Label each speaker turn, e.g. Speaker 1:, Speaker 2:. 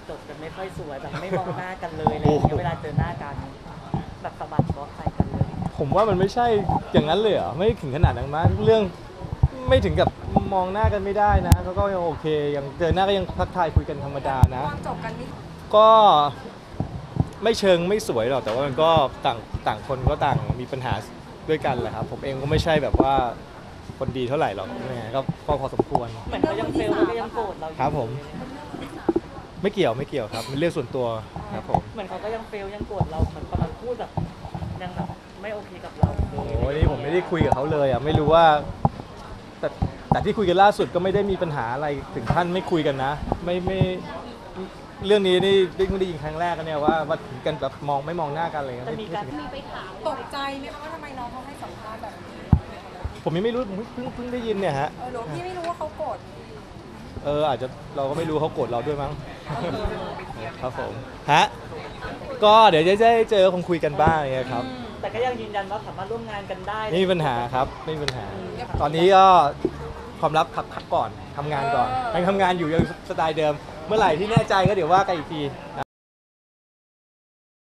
Speaker 1: จบกันไม่ค่อยสวยแบบไม่มองหน้ากันเลยอะไรอย่างเงี้ยเวลาเจอหน้ากันแบบสะบัดบ๊อบใส่กันเลย
Speaker 2: ผมว่ามันไม่ใช่อย่างนั้นเลยเหรอไม่ถึงขนาดนั้นมั้งเรื่องไม่ถึงกับมองหน้ากันไม่ได้นะเขาก็ยังโอเคยังเจอหน้าก็ยังทักทายคุยกันธรรมดานะ
Speaker 3: ตอนจบกันนี่
Speaker 2: ก็ไม่เชิงไม่สวยหรอกแต่ว่ามันก็ต่างคนก็ต่างมีปัญหาด้วยกันแหละครับผมเองก็ไม่ใช่แบบว่าคนดีเท่าไหร่หรอกยังไงก็พอสมควร
Speaker 1: เหมือนเขายังเฟลแล้วก็ยังโกรธเราอยู่
Speaker 2: ครับผมไม่เกี่ยวครับเป็นเรื่องส่วนตัวครับผม
Speaker 1: เหมือนเขาก็ยังเฟลยังโกรธเราเหมือนกำลังพูดแบบยังแบบไม่โอเคกับเราเล
Speaker 2: โอ้
Speaker 1: ย
Speaker 2: โหนี่ผมไม่ได้คุยกับเขาเลยอ่ะไม่รู้ว่าแต่ที่คุยกันล่าสุดก็ไม่ได้มีปัญหาอะไรถึงขั้นไม่คุยกันนะไม่เรื่องนี้นี่ไม่ได้ยินครั้งแรกกันเนี่ยว่าถึงกันแบบไม่มองหน้ากันอะไรเงี้ย
Speaker 1: จะมีการ
Speaker 3: ตกใจไหมคะว่าทำไมน้องเขาให้สัมภาษณ์แบบนี้
Speaker 2: ผมยังไม่รู้ผมเพิ่งได้ยินเนี่ยฮะ
Speaker 3: หรือพี่ไม่รู้ว่าเขาโกรธ
Speaker 2: อาจจะเราก็ไม่รู้เขาโกรธเราด้วยมั้ง ครับผมฮะก็เดี๋ยวจะได้เจอคงคุยกันบ้างอย่างเงี้ยครับ
Speaker 1: แต่ก็ยังยืนยันว่าสามารถร่วมงานกันได้
Speaker 2: ไม่มีปัญหาครับไม่มีปัญหา ตอนนี้ก็ความลับพักก่อนทำงานก่อนยังทำงานอยู่ยังสไตล์เดิม เมื่อไหร่ที่แน่ใจก็เดี๋ยวว่ากันอีกที